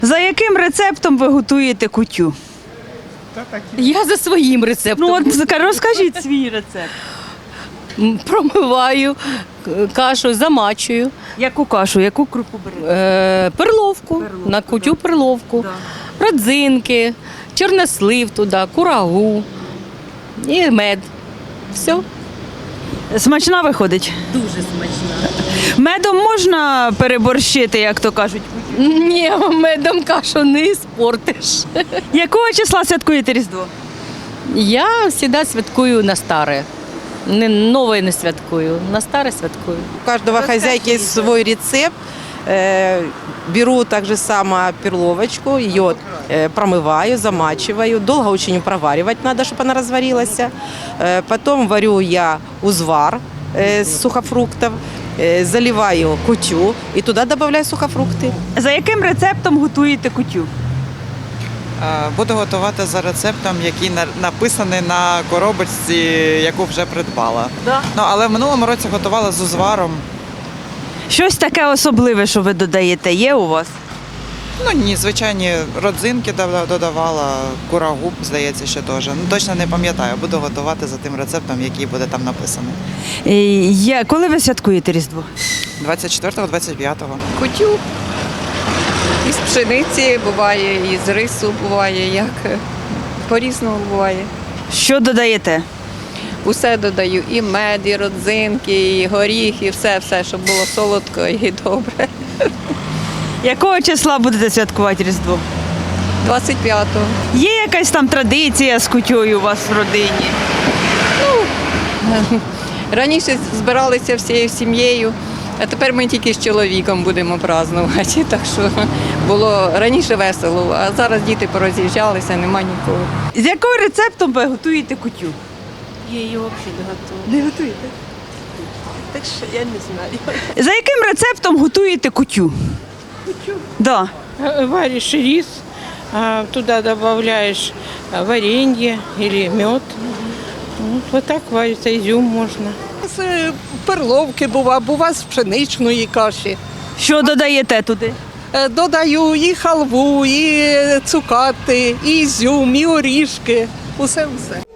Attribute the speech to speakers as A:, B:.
A: За яким рецептом ви готуєте кутю?
B: Я за своїм рецептом.
A: Ну от розкажіть свій рецепт.
B: Промиваю кашу, замачую.
A: Яку кашу, яку крупу берете?
B: Перловку, на кутю перловку, родзинки, чорнослив туди, курагу і мед. Все.
A: Смачна виходить?
B: Дуже смачно.
A: Медом можна переборщити, як то кажуть?
B: Ні, медом кашу не спортиш.
A: Якого числа святкуєте Різдво?
B: Я завжди святкую на старе. Нове не святкую, на старе святкую.
C: У каждого хозяйки есть свой рецепт. Беру так же само перловочку, ее промываю, замачиваю. Долго очень проваривать надо, чтобы она разварилась. Потом варю я узвар с сухофруктов, заливаю кутю и туда добавляю сухофрукты.
A: За яким рецептом готуєте кутю?
D: Буду готувати за рецептом, який написаний на коробочці, яку вже придбала. Ну, але в минулому році готувала з узваром.
A: Щось таке особливе, що ви додаєте, є у вас?
D: Ну ні, звичайні родзинки додавала, курагу, здається, ще теж. Ну, точно не пам'ятаю, буду готувати за тим рецептом, який буде там написаний.
A: Коли ви святкуєте Різдво?
D: 24-го, 25-го.
E: Кутю із пшениці буває, із рису буває, як по-різному буває.
A: Що додаєте?
E: Усе додаю, і мед, і родзинки, і горіх, і все, щоб було солодко і добре.
A: Якого числа будете святкувати Різдво?
E: 25-го.
A: Є якась там традиція з кутєю у вас в родині?
E: Раніше збиралися всією сім'єю, а тепер ми тільки з чоловіком будемо празднувати. Так що було раніше весело, а зараз діти пороз'їжджалися, нема нікого.
A: З яким рецептом ви готуєте кутю?
F: Я її взагалі не готую.
A: Не готуєте?
F: Так що я не знаю.
A: За яким рецептом готуєте кутю?
F: Кутю?
A: Да.
F: Варишь рис, туда добавляешь варенье или мед. Вот так варится, изюм можно.
G: З перловки бува з пшеничної каші.
A: Що додаєте туди?
G: Додаю і халву, і цукати, і ізюм, і орішки. Усе.